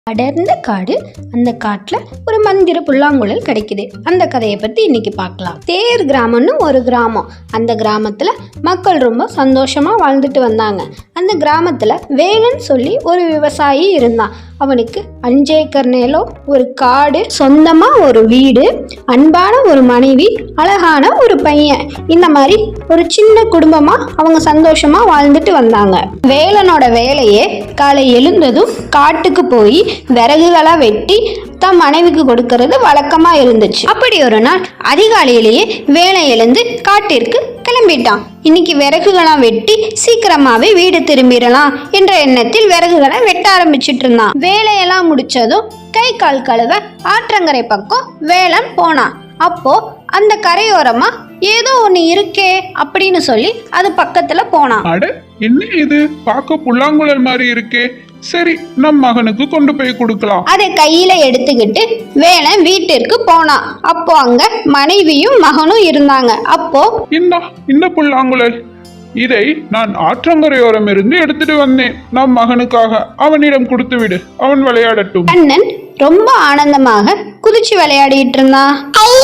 அடர்ந்த காடு. அந்த காட்டுல ஒரு மந்திர புல்லாங்குழல் கிடைக்குது. அந்த கதையை பத்தி இன்னைக்கு பார்க்கலாம். தேர் கிராமம்னு ஒரு கிராமம். அந்த கிராமத்துல மக்கள் ரொம்ப சந்தோஷமா வாழ்ந்துட்டு வந்தாங்க. அந்த கிராமத்துல வேலன் சொல்லி ஒரு விவசாயி இருந்தான். அவனுக்கு 5 ஏக்கர் நிலம், ஒரு காடு, சொந்தமா ஒரு வீடு, அன்பான ஒரு மனைவி, அழகான ஒரு பையன். இந்த மாதிரி ஒரு சின்ன குடும்பமா அவங்க சந்தோஷமா வாழ்ந்துட்டு வந்தாங்க. வேலனோட வேலையே காலை எழுந்ததும் காட்டுக்கு போய் விறகுகளா வெட்டி தம் மனைவிக்கு கொடுக்கறது வழக்கமா இருந்துச்சு. அப்படி ஒரு நாள் அதிகாலையிலேயே வேலை எழுந்து காட்டிற்கு கிளம்பிட்டான். இன்னைக்கு விறகுகளை வெட்டி சீக்கிரமாவே வீடு திரும்பிடலாம் என்ற எண்ணத்தில் விறகுகளை வெட்ட ஆரம்பிச்சிட்டு இருந்தான். வேலையெல்லாம் முடிச்சதும் கை கால் கழுவ ஆற்றங்கரை பக்கம் வேலன் போனான். அப்போ அந்த கரையோரமா ஏதோ ஒண்ணு இருக்கே அப்படின்னு சொல்லி அது பக்கத்துல போனான். அட, என்ன இது பார்க்க புல்லாங்குழல் மாதிரி இருக்கே, சரி நம் மகனுக்கு கொண்டு போய் கொடுக்கலாம். அதை கையில எடுத்துக்கிட்டு வேலன் வீட்டிற்கு போனான். அப்போ அங்க மனைவியும் மகனும் இருந்தாங்க. அப்போ இந்த புல்லாங்குழல், இதை நான் ஆற்றங்கரையோரம் இருந்து எடுத்துட்டு வந்தேன். நம் மகனுக்காக அவனிடம் கொடுத்து விடு, அவன் விளையாடட்டும். கண்ணன் ரொம்ப ஆனந்தமாக குதிச்சு விளையாடிட்டு இருந்தான்.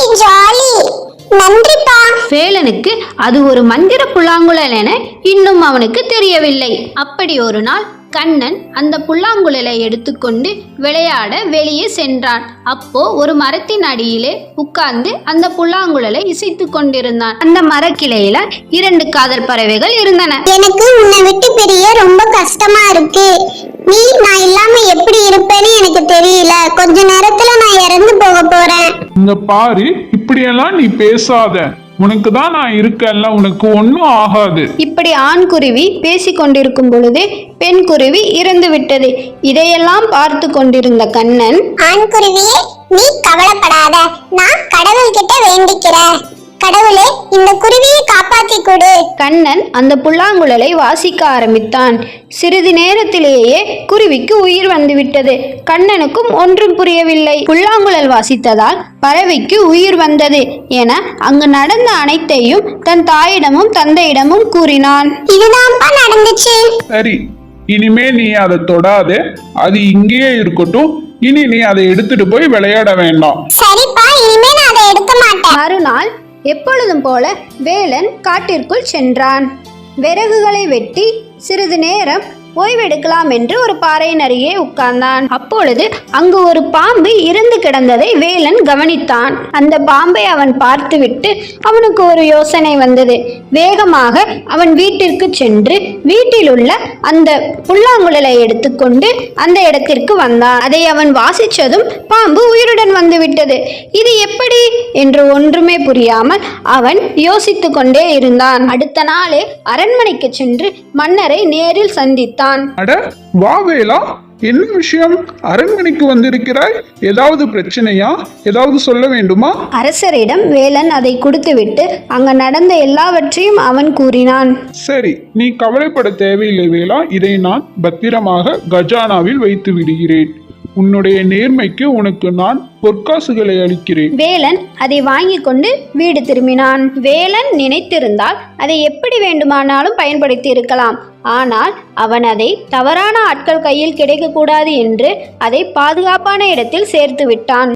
வேலனுக்கு அது ஒரு மந்திர புல்லாங்குழல் என இன்னும் அவனுக்கு தெரியவில்லை. அப்படி ஒரு நாள் கண்ணன் அந்த புல்லாங்குழலை எடுத்துக்கொண்டு விளையாட வெளியே சென்றான். அப்போ ஒரு மரத்தின் அடியிலே உட்கார்ந்து அந்த புல்லாங்குழலை இசைத்து கொண்டிருந்தான். அந்த மரக்கிளையில 2 காதல் பறவைகள் இருந்தன. எனக்கு உன்னை விட்டு பிரிய ரொம்ப கஷ்டமா இருக்கு. நான் இல்லாம எப்படி இருப்பேன்னு எனக்கு தெரியல. கொஞ்ச நேரத்துல நான் இறந்து போக போறேன். இந்த பாரு, இப்படியெல்லாம் நீ பேசாத. உனக்கு தான் நான் இருக்கேன்ல, உனக்கு ஒன்னும் ஆகாது. இப்படி ஆண் குருவி பேசி கொண்டிருக்கும் பொழுது பெண் குருவி இறந்து விட்டது. இதையெல்லாம் பார்த்து கொண்டிருந்த கண்ணன், ஆண் குருவியே, நீ கவலைப்படாத, நான் கடவுள்கிட்ட வேண்டிக்கிறேன். கடவுளே, இந்த குருவியை காப்பாத்தி கொடு. கண்ணன் அந்த புல்லாங்குழலை வாசிக்க ஆரம்பித்தான். சிறிது நேரத்திலேயே குருவிக்கு உயிர் வந்துவிட்டது. கண்ணனுக்கும் ஒன்றும் புரியவில்லை. புல்லாங்குழல் வாசித்ததால் பறவைக்கு உயிர் வந்தது என அங்கு நடந்த அனைத்தையும் தன் தாயிடமும் தந்தையிடமும் கூறினான். இதுதான்ப்பா நடந்துச்சு. சரி, இனிமே நீ அதை தொடாத, அது இங்கேயே இருக்கட்டும். இனி நீ அதை எடுத்துட்டு போய் விளையாட வேண்டாம். சரிப்பா, இனிமே நான் அதை எடுக்க மாட்டேன். மறுநாள் எப்பொழுதும் போல வேலன் காட்டிற்குள் சென்றான். விறகுகளை வெட்டி சிறிது நேரம் ஓய்வெடுக்கலாம் என்று ஒரு பாறையின் அருகே உட்கார்ந்தான். அப்பொழுது அங்கு ஒரு பாம்பு இறந்து கிடந்ததை வேலன் கவனித்தான். அந்த பாம்பை அவன் பார்த்துவிட்டு அவனுக்கு ஒரு யோசனை வந்தது. வேகமாக அவன் வீட்டிற்கு சென்று வீட்டில் உள்ள அந்த புல்லாங்குழலை எடுத்துக்கொண்டு அந்த இடத்திற்கு வந்தான். அதை அவன் வாசித்ததும் பாம்பு உயிருடன் வந்துவிட்டது. இது எப்படி என்று ஒன்றுமே புரியாமல் அவன் யோசித்து கொண்டே இருந்தான். அடுத்த நாளே அரண்மனைக்கு சென்று மன்னரை நேரில் சந்தித்தான். அட, வா வேலா, என்ன விஷயம்? அரண்மனைக்கு வந்திருக்கிறாய்? ஏதாவது பிரச்சனையா? ஏதாவது சொல்ல வேண்டுமா? அரசரிடம் வேலன் அதை கொடுத்துவிட்டு அங்க நடந்த எல்லாவற்றையும் அவன் கூறினான். சரி, நீ கவலைப்பட தேவையில்லை வேலா. இதை நான் பத்திரமாக கஜானாவில் வைத்து விடுகிறேன். உன்னுடைய நேர்மைக்கு உனக்கு நான் பொற்காசுகளை அளிக்கிறேன். வேலன் அதை வாங்கி கொண்டு வீடு திரும்பினான். வேலன் நினைத்திருந்தால் அதை எப்படி வேண்டுமானாலும் பயன்படுத்தி இருக்கலாம். ஆனால் அவன் அதை தவறான ஆட்கள் கையில் கிடைக்கக்கூடாது என்று அதை பாதுகாப்பான இடத்தில் சேர்த்து விட்டான்.